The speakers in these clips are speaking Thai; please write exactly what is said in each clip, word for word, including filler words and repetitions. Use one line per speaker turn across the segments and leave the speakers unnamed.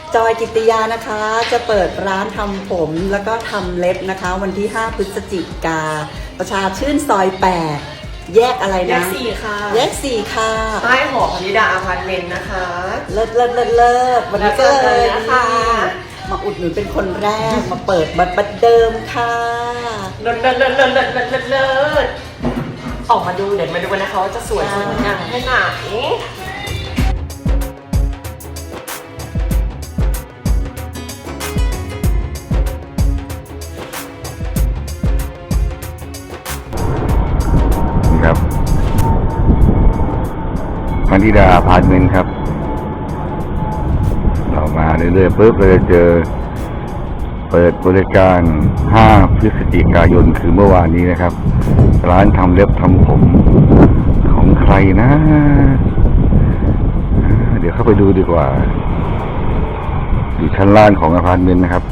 จอยกิตติยานะคะจะเปิดร้านทำผมแล้วก็ทำเล็บนะคะวันที่ห้าพฤศจิกาประชาชื่นซอยแปดแยกอะไรนะ
แยกสี่ค่ะ
แยกสี่ค่ะ
ใต้หอพนิดาอพาร์ตเมนต์นะคะ
เลิศเลิศเลิศเลิศวันนี้ก็เลย
นะคะ
มาอุดหนุนเป็นคนแรกมาเปิดบัตรบัตรเดิมค่ะ
เลิศเลิศเลิศเลิศเลิศเลิศเลิศเลิศออกมาดูเดี๋ยวมาดูกันนะคะว่าจะสวยสวยงามแค่ไหน
ครับพนิดาอพาร์ตเมนต์ครับเรามาเรื่อยๆปุ๊บเราจะเจอเปิดบริการห้าพฤศจิกายนคือเมื่อวานนี้นะครับร้านทำเล็บทำผมของใครนะเดี๋ยวเข้าไปดูดีกว่าอยู่ชั้นล่างของอพาร์ตเมนต์นะครับ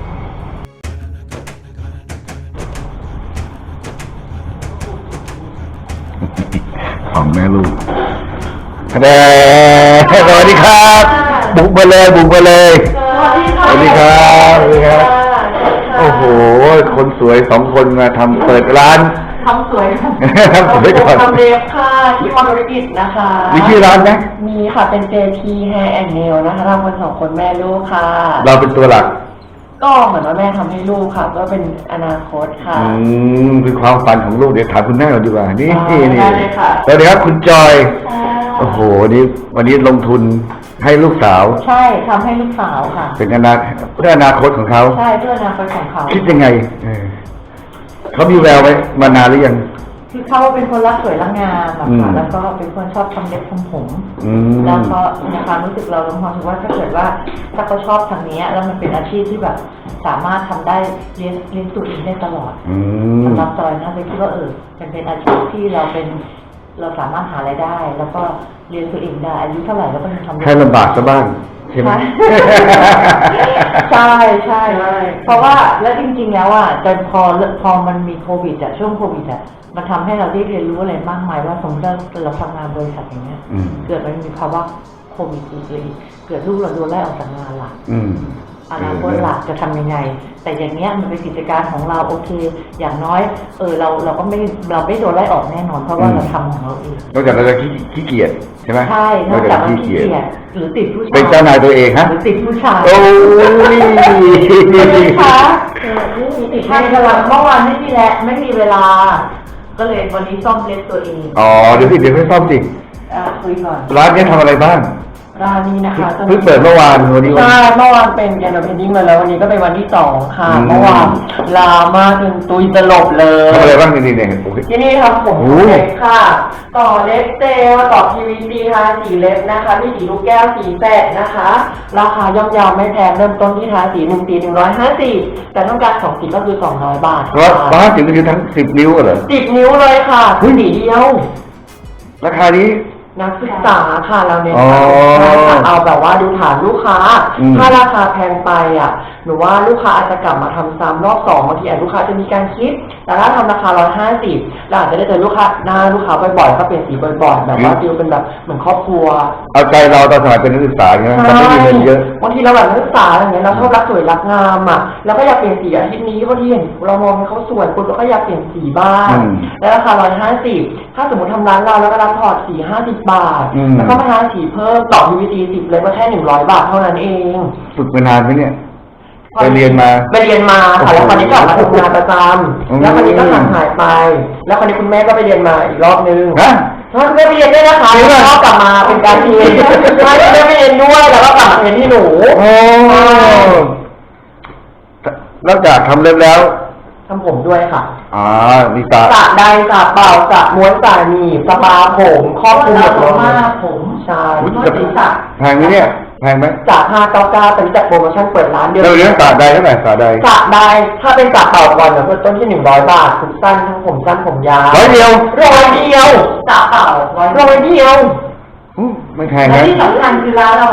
ของแม่ลูกสวัสดีครับบุกมาเลยบุกมาเลยสวัสดีครับสวัสดีครับโอ้โหคนสวยสองคนมาทำเปิดร้าน
ทำสวย
ทำสวยก่อน
ทำเล็บค่ะที่มอธุรกิจนะคะ
มีชื่อร้านไหม
มีค่ะเป็น เจ พี Hair and Nail นะคะทำคนสองคนแม่ลูกค่ะ
เราเป็นตัวหลัก
ก็เหมือนว่าแม่ทำให้ลูกค่ะก็เป็นอนาคตค่ะ
อืมเป็นความฝันของลูกเดี๋ยวถามคุณแม่เราดีกว่านี่นี่นี่
ได้เลยค่ะ
สวัสดีครับคุณจอยโอ้โหวันนี้วันนี้ลงทุนให้ลูกสาว
ใช่ทำให้ลูกสาวค่ะ
เป็นอนาเพื่ออนาคตของเขา
ใช่เพื่ออนาคตของเขา
คิดยังไงเขามีแววไหมมานานหรือยัง
คือเขาเป็นคนรักสวยรักงามแบบค่ะแล้วก็เป็นคนชอบทำเล็บทำผม
แ
ล้วก็ในความรู้สึกเราเราความรู้สึกว่าถ้าเกิดว่าถ้าเขาชอบทางนี้แล้วมันเป็นอาชีพที่แบบสามารถทำได้เลี้ยงเลี้ยงตัวเองได้ตลอดสำหรับจอยนะเลยคิดว่าเออเป็นเป็นอาชีพที่เราเป็นเราสามารถหารายได้ แล้วก็เลี้ยงตัวเองได้อายุเท่าไหร่แล้วก็ยังทำ
ให้ลำบากซะบ้างใช่ไหม
ใช่ใช่เพราะว่าแล้วจริงๆแล้วอ่ะจนพอพอมันมีโควิดอ่ะช่วงโควิดอ่ะมันทำให้เราได้เรียนรู้อะไรมากมายว่าสมมติเราทำงานบริษัทอย่างเงี้ยเกิดมันมีภาวะโควิดอีกเลยเกิดลูกเราโดนไล่ออกจากงานหลักอนาคตหลักจะทำยังไงแต่อย่างเงี้ยมันเป็นกิจการของเราโอเคอย่างน้อยเออเราเราก็ไม่เราไม่โดนไล่ออกแน่นอนเพราะว่าเราทำของเราเอง
นอกจากเราจะขี้เกียจใช่ไหม
ใช่นอกจากขี้เกียจหรือติดผู้ชาย
เป็นเจ้านายตัวเองฮะ
หรือติดผู้ชาย
โอ้ย
นี่คะเออนี่มีติดให้กำลังเมื่อวานไม่มีแหละไม่มีเวลาก็เลยวันนี้ซ่อมเล็บตัวเอง
อ๋อเดี๋ยวพี่เดี๋ยวให้ซ่อมสิ
อ่าคุยก่อน
ร้านนี้ทำอะไรบ้าง
ร้านนี้นะคะ
เพิ่งเปิดเมื่อวานวันนี้
ใช่เมื่อวานเป็นแกนโดเพนดิ้งมาแล้ววันนี้ก็เป็นวันที่สองค่ะเมื่อวานลามากจนตุยตลบเลย
ทำอะไรบ้างนี่นี่เนี่ย
ที่นี่ทำผมเล็บค่ะต่อเล็บเจลต่อ พี วี ซี ทาสีเล็บนะคะมีสีลูกแก้วสีแปดนะคะราคาย่อมเยาวไม่แพงเริ่มต้นที่ทาสีหนึ่งสีหนึ่งร้อยห้าสิบแต่ต้องการสองสีก็คือสองร้อยบาท
ร้อยร้อยห้าสิบก็คือทั้งสิบนิ้วเหรอ
สิบนิ้วเลยค่ะสีเดียว
ราคานี้
นักศึกษาค่ะเราเน้นเอาแบบว่าดูฐานลูกค้าถ้าราคาแพงไปอ่ะหนูว่าลูกค้าอาจจะกลับมาทำซ้ำรอบสองบางทีอาจลูกค้าจะมีการคิดแต่ถ้าทำราคาร้อยห้าสิบเราอาจจะได้เจอลูกค้าหน้าลูกค้าบ่อยๆก็เปลี่ยนสีบ่อยๆแบบว่าฟิลเป็นแบบเหมือนครอบครัว
เอาใจเราตอนสมัยเป็นนักศึกษาใช่ไหมมันไม่มีเงินเยอะ
บางทีเราแบบนักศึกษาอย่างเงี้ยเราชอบรักสวยรักงามอ่ะแล้วก็อยากเปลี่ยนสีอาทิตย์นี้บางทีเห็นเรามองให้เขาสวยคุณก็อยากเปลี่ยนสีบ้างแล้วราคาร้อยห้าสิบถ้าสมมติทำร้านเราแล้วก็รับถอดสีห้าสิบบาทแล้วก็มาทาสีเพิ่มต่อ พี วี ซี สิบเลยก็แค่หนึ่งร้อยบาทเท่านั้นเอง
ฝึกมานานไหมเนี่ยไปเรียนมา
ไปเรียนมาค่ะแล้วคราวนี้กลับมาทำงานประจำแล้วคราวนี้ก็ห่างหายไปแล้วคราวนี้คุณแม่ก็ไปเรียนมาอีกรอบนึง
นะ
คุณแม่ไปเรียนด้วยนะคะแล้วก็กลับมาเป็นการเรียนใช่คุณแม่ไปเรียนด้วยแล้วก็กลับมาเรียนที่หนู
โอ้นอกจากทำเล็บแล้ว
ทำผมด้วยค่ะ
อ่ามีสระ
สระใดสระเปล่าสระม้วนสระหนีบสปาผมครอบคลุมหมดเลยผมใช่ศีรษะ
แพงไหมเนี่ยแพงไหม
จากห้าเก้าเก้าเป็นจัดโปรโมชั่นเปิดร้านเดียว
เราเลี้ยงสระใดเท่าไหร่สระใด
สระใดถ้าเป็นสระเปล่าก่อนเนี่ยเริ่มต้นที่หนึ่งร้อยบาทผมสั้นทั้งผมสั้นผมยาว
ร้อยเดียว
ร้อยเดียวสระเปล่าร้อยร้อยเดียว
ไม่แพงนะ
ที่สำคัญคือร้านเราอ่ะ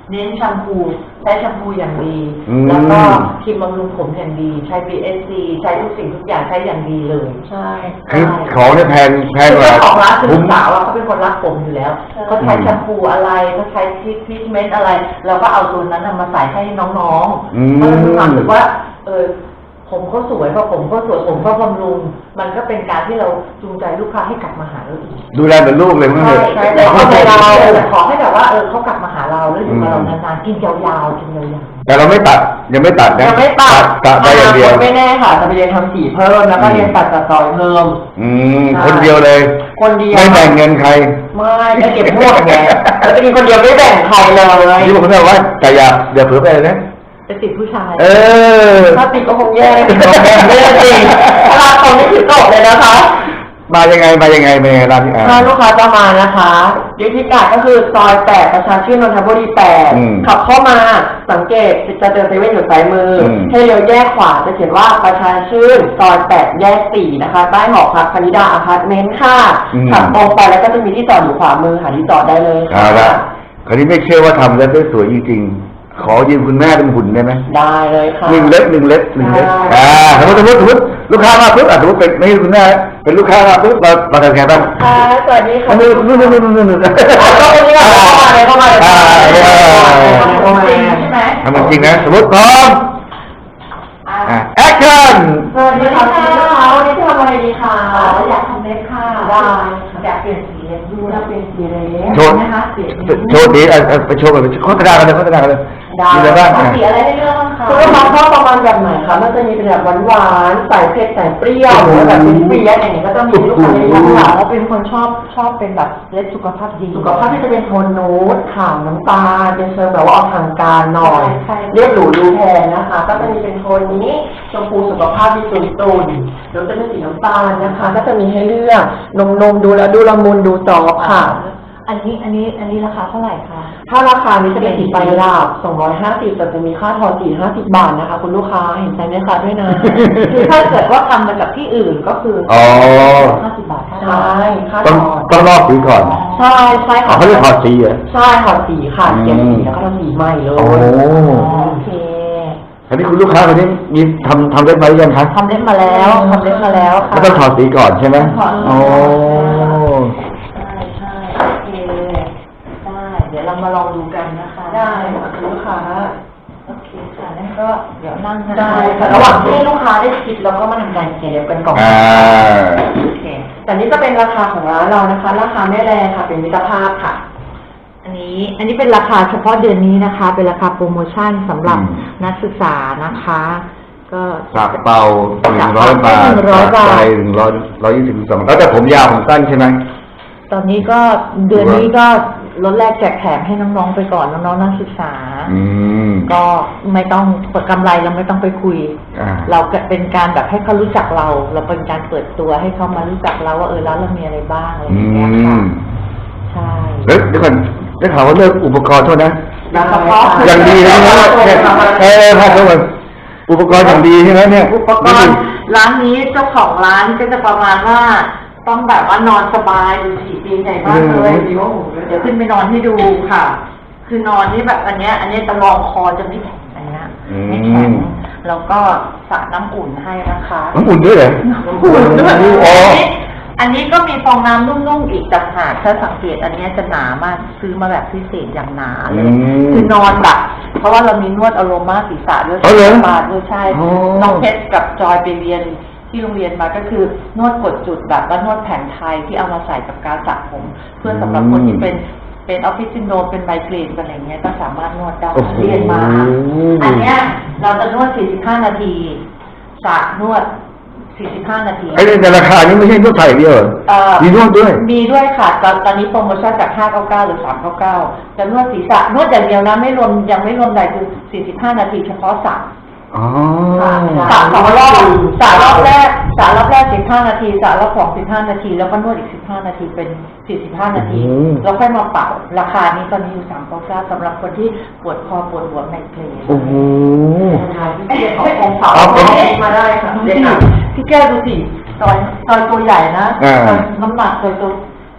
เน้นแชมพูใช้แชมพูอย่างดี
อืม
แล้วก็ครีมบำรุงผมอย่างดี ใช้ บี เอส ซี ใช้ทุกสิ่งทุกอย่างใช้อย่างดีเลย ใช่
คือของเนี่ยแพงแพง
คือก
ว่า
เจ้าของร้านคือ
คุ้
ลู
ม
กสาวอะเขาเป็นคนรักผมอยู่แล้วเขาใช้แชมพูอะไรเขาใช้ทรีทเมนต์อะไรเราก็เอาตัวนั้นน่ะมาใส่ให้น้อง
อืม
ๆเพราะเรามีความรู้สึกว่าเออผมเขาสวยพอผมเขาสวยผมก็บำรุงมันก็เป็นการที่เราจูงใจลูกค้าให้กลับมาหาเราอีก
ดูแลเหมือนลูกเลยมั้ง
ใช่
เลย
ใช่แต่ขอให้เราแต่ขอให้แบบว่าเออเขากลับมาหาเราแล้วอยู่กับเรานานๆกินยาวๆกินยาวๆ
แต่เราไม่ตัดยังไม่ตัดนะ
ยังไม่ตัด
ตัดได้อย่างเดียว
ไม่แน่ค่ะจะไปเรียนทำสีเพิ่มแล้วก็เรียนตัดตัดต่อยเพิ่ม
อืมคนเดียวเลย
คนเดียว
ไม่แบ่งเงินใคร
ไม่จะเก็บพวกไงแล้วจะมีคนเดียวไม่แบ่งใครเลย
ที่ผมบอกว่าแต่อย่าอย่าเผลอไปเลยนะ
จะติดผู้ชาย
เออ
ถ้าติดก็คงแย่ติดก็แย่ไม่ได้จริงถ้าเราคนนี้ถือโต๊ะเลยนะคะ
มายังไงมายังไงมายังไงร้านนี้อ่า
ถ้าลูกค้าจะมานะคะยุทธิกาก็คือซอยแปดประชาชื่นนนทบุรีแปด
อืม
ขับเข้ามาสังเกตจะเจอเซเว่นอยู่ซ้ายมืออ
ม
ให้เลี้ยวแยกขวาจะเขียนว่าประชาชื่นซอยแปดแยกสี่นะคะใต้หอพักพนิดาอพาร์ตเมนต์ค่ะขับตรงไปแล้วก็จะมีที่จอดอยู่ขวามือหาที่จอดได้เลย
เอา
ค่ะ
ละคราวนี้ไม่เชื่อว่าทำแล้วได้สวยจริงๆขอยืมคุณแม่เป็นหุ่นได้ไหม
ได้เลยค่ะ
หนึ่งเล็บหนึ่งเล็บหนึ่งเล็บ
ได้
อ่าสมมติสมมติสมมติลูกค้ามาปุ๊บอ่ะสมมติเป็นไม่ใช่คุณแม่เป็นลูกค้ามาปุ๊บเราเราทำไงบ้าง
ค่ะสวัสดีค่ะ
เอามือนู่นนู่นนู่นนู่นนู่น
เอาเข้ามาเลยเข้ามาเลยเข้ามาเลย
อ่า
เข้ามาเลยใช่ไหม
ทำมันจริงนะสมมติพร้อมอ่าแอคชั่น
สวัสดีค่ะคุณลูกค้าวันนี้ทำอะไรดีคะอยากทำเล็บค่ะได้อยากเปลี่ยนสีเล็บด้วยอยากเปลี่ยนสีเล็บ
โชว์
นะคะเปลี่ยน
โชว์ดีอ่ะอ่ะไปโชว์กันไปโฆษณากันเลยโฆษณากันเลย
ได้
มีอะไรบ้างอ่ะ
สีอะไรให้เลือกบ้างคะคุณลูกค้าชอบประมาณแบบไหนคะมันจะมีเป็นแบบหวานๆใส่เผ็ดใส่เปรี้ยวหรือว่าแบบเป็นเปรี้ยวอย่างนี้ก็จะมีลูกค้าที่ชอบค่ะแล้วเป็นคนชอบชอบเป็นแบบเล็บสุขภาพดีสุขภาพที่จะเป็นโทนนูดขาวน้ำตาลเป็นเชิงแบบว่าออกทางการหน่อยเรียบหรูดูแพงนะคะ ก็จะมีเป็นโทนนี้ชมพูสุขภาพที่ตุนตุนๆหรือจะเป็นสีน้ำตาลนะคะ ก็จะมีให้เลือกนมนมๆดูแล้วดูละมุนดูจอบค่ะ
อันนี้อันนี้อันนี้ราคาเท่าไหร่คะ
ถ้าราคานี้จะเป็นสีไฟลาบสองร้อยห้าสิบแต่จะมีค่าทอนสี่ห้าสิบบาทนะคะ คุณลูกค้าเห็นใจไหมคะด้วยนะ
คือถ้าเกิดว่าทำมาจากที่อื่นก็คือ
อ๋อ
ห้าสิบบาทค่า
ใช่ค่าท
ต้อง
อน
ต้องลอกสีก่อน
ใช่ใช่
อ๋อ
ค่ะ
เขาเรียกถอดสีเหรอ
ใช่ถอดสีค่ะ
อืม
เก็บสีแล้วก็ทำสีใหม่เลย
โอ้
โอเค
คราวนี้คุณลูกค้าคนนี้มีทำทำเล็บมาหรือยังคะ
ทำเล็บมาแล้วทำเล็บมาแล้วค่ะ
ไม่ต้องถอดสีก่อนใช่ไหม
ถอด
โอ้
ใช่ใช่โอเคได้เดี๋ยวเรามาลองดูกันนะคะ
ได้ค่ะคุณลูกค้า
โอเคค่ะนั่นก็เดี๋ยวนั่งนะคะ
ได้ค่ะระหว่างที่ลูกค้าได้คิดเราก็มาทำการเก็บกันก่อน
อ่า
โอเค
แต่นี่ก็เป็นราคาของร้านเรานะคะ ราคาไม่แรงค่ะเป็นมิตรภาพค่ะ
อันนี้อันนี้เป็นราคาเฉพาะเดือนนี้นะคะ เป็นราคาโปรโมชั่นสำหรับ
อืม
นักศึกษานะคะ ก็
จากเป่าหนึ่งร้อยบาท
หนึ่งร้อยบาท
ใจหนึ่งร้อยร้อยยี่สิบสองแล้วแต่ผมยาวผมสั้นใช่ไหม
ตอนนี้ก็เดือนนี้ก็ลดแรกแจกแถมให้น้องๆไปก่อนน้องๆนักศึกษา
อืม
ก็ไม่ต้องกำไรเราไม่ต้องไปคุย
อ่า
เราก็เป็นการแบบให้เขารู้จักเรา เราเป็นการเปิดตัวให้เขามารู้จักเราว่าเออร้านเรามีอะไรบ้างอะไรอ
อื
ย่างเงี้ยค่ะ
ม
ใช่
เฮ้ยเดี๋ยวก่อนได้ข่าวว่าเลิกอุปกรณ์โทษนะ
ได้ค่ะ
อย่างดีเลยนะเนี่ยเออพาเขามาอุปกรณ์อย่างดีใช่ไหมเนี่ย
อุปกรณ์ร้านนี้เจ้าของร้านก็จะประมาณว่าต้องแบบว่านอนสบายดูสีเตียงใหญ่มากเลยเดี๋ยวเดี๋ยวขึ้นไปนอนให้ดูค่ะ คือนอนนี่แบบอันเนี้ย อันเนี้ยจะรองคอจะไม่แข็งอันเนี้ยไม่แข็งแล้วก็สระน้ำอุ่นให้นะคะ
น้ำอุ่นด้วยเหรอ
อุ่นด้วย
อ๋อ
อันนี้อันนี้ก็มีฟองน้ำนุ่มๆอีกต่างหากถ้าสังเกตอันเนี้ยจะหนามากซื้อมาแบบพิเศษอย่างหนาเลย
อืม
คือนอนแบบเพราะว่าเรามีนวดอโรมาศีรษะด้วย
อ๋อเหรอ
บาทด้วยใช่
อ๋อ
น้องเพชรกับจอยไปเรียนที่โรงเรียนมาก็คือนวดกดจุดแบบว่านวดแผนไทยที่เอามาใส่กับการสระผม เพื่อสำหรับคนที่เป็นเป็นออฟฟิศซินโดรมเป็นไมเกรนอะไรเงี้ยก็สามารถนวดได้
โอ้โห
เรียนมา อันเนี้ยเราจะนวด สี่สิบห้า นาทีสระนวด สี่สิบห้า นาที
ไอ้ในราคานี้ไม่ใช่นวดไทยอย่างเดียวเหรอ
เอ่อ
มีนวดด้วย
มีด้วยค่ะตอนตอนนี้โปรโมชั่นจาก ห้าเก้าเก้า หรือ สามเก้าเก้า จะนวดศีรษะนวดอย่างเดียวนะไม่รวมยังไม่รวมใดคือ สี่สิบห้า นาทีเฉพาะสระ
อ๋อ
สระสองรอบสระรอบแรกสระรอบแรก สิบห้า นาทีสระรอบสอง สิบห้า นาที แล้วก็นวดอีก สิบห้า นาทีเป็น สี่สิบห้า นาที
อืม
แล้วค่อยมาเป่าราคานี้ตอนนี้อยู่ สามเก้าเก้า สำหรับคนที่ปวดคอปวดหัวไมเกรน
โอ้โห
ที่เรียนขององค์เขา
เอาเอา
มาได้ค่ะ
ดู
เด็ก
สิ
หนัก
พี่แก้วดูสิซอยซอยตัวใหญ่นะ
อ่า
ซอยน้ำหนักซอยตัว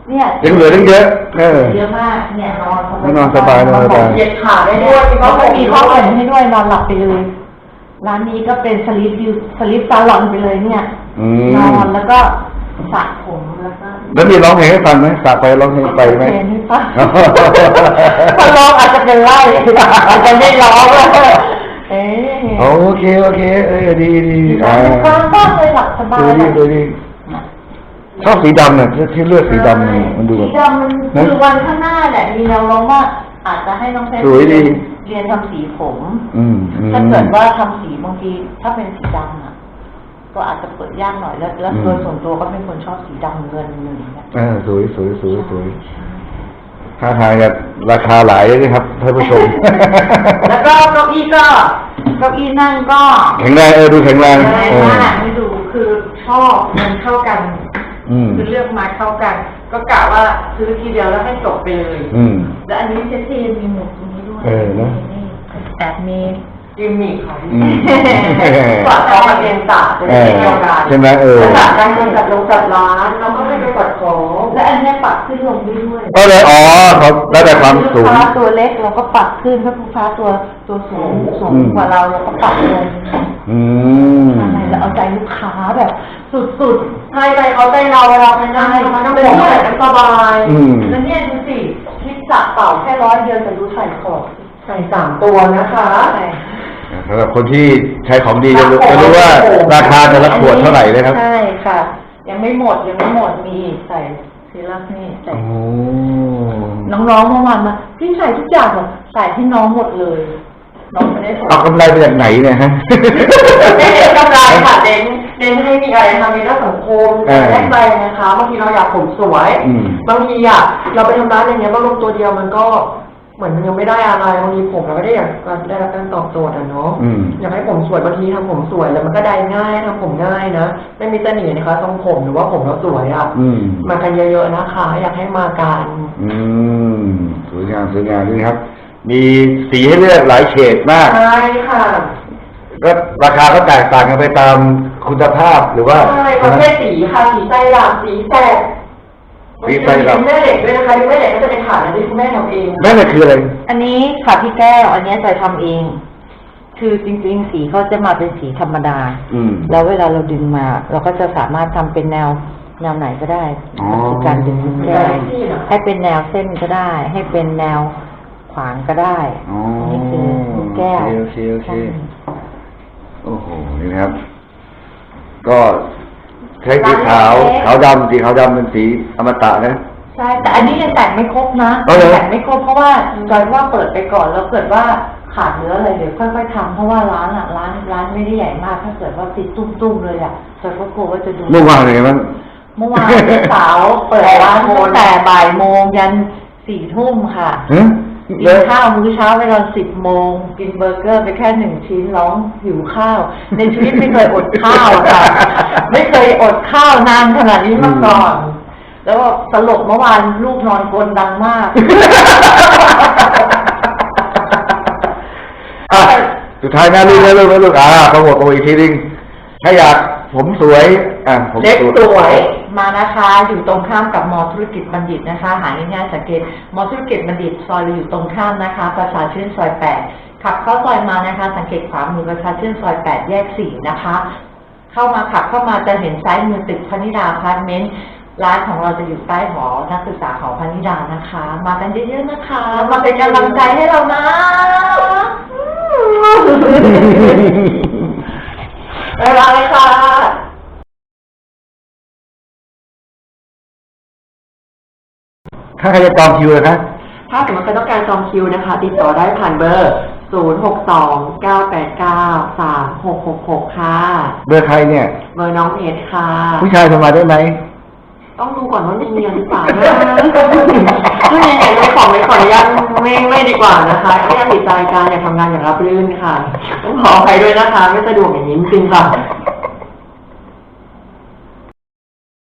เนี่ย
ยังเหลือตั้งเยอะเออ
เยอะมากเนี่ยนอน
นอนสบายนอนสบาย
เหยียดขาได้ด้วย
เขาก็มีข้าวห่มให้ด้วยนอนหลับไปเลยร้านนี้ก็เป็นสลิปดิวสลิปซาลอนไปเลยเนี่ย
อืม
นอนแล้วก็สระผมแล้วก็
แล้วมีร้องเพลงให้ฟังไหมสาไปร้องเพลงไปไหม
เพลงให้ฟังพอร้องอาจจะเป็นไล่อาจจะไม่ร้องเอ๊ะ
โอเคโอเคเออดีดีอ่า
ฟังบ้างเลยหลับสบาย
ดูดีดูดีชอบสีดำเนี่ยที่เลือกสีดำเนี่ยมันดูแบ
สี
บ
ดำมันคือวันข้างหน้าแหละมีแนวโน้มว่าอาจจะให้น้องเพชร
สวยดี
เรียนทำสีผม
อืมอืม
ถ้าเกิดว่าทำสีบางทีถ้าเป็นสีดำอ่ะก็อาจจะเปิดยากหน่อยแล้วแล้วโดยส่วนตัวก็เป็นคนชอบสีดำเงินอะไรอย่างเงี้ย
เออสวยสวยสวยสวยท่าทางจะราคาหลายเลยนะครับท่านผู้ชม
แล้วก็เก้าอี้ก็เก้าอี้นั่งก็
แข็งแรงเออดูแข็งแรง
แรง
เออ
มากไม่ดูคือชอบมันเข้ากัน
อืม
คือเลือกมาเข้ากัน ก็กะว่าซื้อทีเดียวแล้วให้จบไปเลย
อืม
แล้วอันนี้เซ็ซี่มีหมวกตรงนี้ด้วย
เออเนอะ
นี่แอบมี
กิมมิคของ
อืม
กว่าเขามาเรียนศาสตร์เป็น
เออ
เดียวกัน
ใช่ไหมเออ
ศาสตร์การเงินจัดลงจัดร้านเราก็ไม่ไปกดของ
และอันเนี้ยปรับขึ้นลงได้ด้วย
ก็เลยอ๋อเขาแล้วแต่ความสูง
ลูกค้าตัวเล็กเราก็ปรับขึ้นถ้าลูกค้าตัวตัวสูงสูง
อืม
กว่าเราเราก็ปรับลง
อืม
ใช่แล้วเอาใจลูกค้าแบบสุด
ใช่ใจเขาใจเราเวลาไปนั่งมันก็เป็นที่แบบสบาย
อืม
ๆแล้วเนี่ยดูสิคลิปสักเป่าแค่ร้อยเดียวแต่ดูใส่ของ
ใส่สามตัวนะคะ
ใช่
สำหรับคนที่ใช้ของดีจะรู้จะรู้ว่าราคาแต่ละขวดเท่าไหร่เลยครับ
ใช่ค่ะ ยังไม่หมดยังไม่หมดมีอีกใส่ซีรัสนี่ใส่
โอ้
น้องๆเมื่อวานมาพี่ใส่ทุกอย่างเหรอใส่ให้น้องหมดเลย น้องไม่ได้สน
เอากำไรมาจากไหนเนี่ยฮะ
ไม่เน้นกำไรค่ะเน้นเน้นให้มีอะไรทำในเรื่องสังคม
เออ
แลกไปนะคะบางทีเราอยากผมสวย
อืม
บางทีอ่ะเราไปทำร้านอย่างเงี้ยบางลงตัวเดียวมันก็เหมือนมันยังไม่ได้อะไรบางทีผมเราไม่ได้อยากได้รับการตอบโจทย์อ่ะเนาะ
อืม
อยากให้ผมสวยบางทีทำผมสวยแล้วมันก็ได้ง่ายทำผมง่ายนะไม่มีเสน่ห์นะคะทรงผมหรือว่าผมเราสวยอ่ะ
อืม
มากันเยอะๆนะคะ อยากให้มากัน
อืมสวยงามสวยงามนี่ครับ มีสีให้เลือกหลายเฉดมาก
ใช่ค่ะ
ก็ราคาก็แตกต่างกันไปตามคุณภาพหรือว่า
ใช่ประเภทสีค่ะสีไส้หลามสีแตก
สีไส้หลาม
แม่เหล็กด้วยนะคะที่แม่เหล็กก็จะเป็นฐานนะที่คุณแม่ทำเอง
แม่น่ะคืออะไร
อันนี้ค่ะพี่แก้วอันนี้จอยทำเอง คือจริงๆสีเขาจะมาเป็นสีธรรมดา
อืม
แล้วเวลาเราดึงมา เราก็จะสามารถทำเป็นแนวแนวไหนก็ได้
อ๋อ
คือการดึงลูกแก้วให้เป็นแนวเส้นก็ได้ ให้เป็นแนวขวางก็ได้
อ๋อ
อันนี้คือลูกแก้ว
โอเคโอเค
ใช่
โอ้โห นี่นะครับ ก็ใช้สีขาว ขาวดำสีขาวดำเป็นสีอมตะนะ
ใช่ แต่อันนี้ยังแต่งไม่ครบนะ
เอาเหรอ
แต่งไม่ครบเพราะว่าจอยว่าเปิดไปก่อนแล้วเกิดว่าขาดเหลืออะไรเดี๋ยวค่อยๆทำเพราะว่าร้านอ่ะร้านร้านไม่ได้ใหญ่มาก ถ้าเกิดว่าติดตุ้มๆเลยอ่ะจอยก็กลัวว่าจะดู
เมื่อวานเลยมั้ง
เมื่อวานพี่สาวเปิดร้านตั้งแต่บ่ายโมงยันสี่ทุ่มค่ะ
ฮะ
กินข้าวมื้อเช้าไปตอนสิบโมงกินเบอร์เกอร์ไปแค่หนึ่งชิ้นร้องหิวข้าว ในชีวิตไม่เคยอดข้าวอะค่ะ ไม่เคยอดข้าวนานขนาดนี้มาก่อน แล้วก็สลบเมื่อวานลูกนอนกรนดังมาก
อ่ะสุดท้ายนะลูกนะลูกนะลูกอ่าเขาบอกเขาบอกอีกทีนึงถ้าอยากผมสวย อ่ะผม
เล็กสวย
มานะคะอยู่ตรงข้ามกับมอธุรกิจบัณฑิตนะคะ หาง่ายๆสังเกตมอธุรกิจบัณฑิตซอยเราอยู่ตรงข้ามนะคะ ประชาชื่นซอยแปดขับเข้าซอยมานะคะ สังเกตขวามือประชาชื่นซอยแปดแยกสี่นะคะ เข้ามาขับเข้ามาจะเห็นซ้ายมือตึกพนิดาอพาร์ตเมนต์ร้านของเราจะอยู่ใต้หอนักศึกษาของพนิดานะคะ มากันเยอะๆนะคะ มาเป็นกำลังใจให้เรานะ
บ๊ายบายค่ะ
ถ้าใครจะจองคิวเลยนะ
ถ้าสมมติใครต้องการจองคิวนะคะ ติดต่อได้ผ่านเบอร์ ศูนย์ หก สอง เก้า แปด เก้า สาม หก หก หก ค่ะ
เบอร์ใครเนี่ย
เบอร์น้องเพชรค่ะ
ผู้ชายโทรมาได้ไหม
ต้องดูก่อนว่ามีเงินหรือเปล่านะถ้ายังไงไม่ขอไม่ขออนุญาตไม่ไม่ดีกว่านะคะถ้ายังติดใจการอยากทำงานอย่างรับรื่นค่ะ ต้องขออภัยด้วยนะคะ ไม่สะดวกอย่างนี้จริงๆค่ะ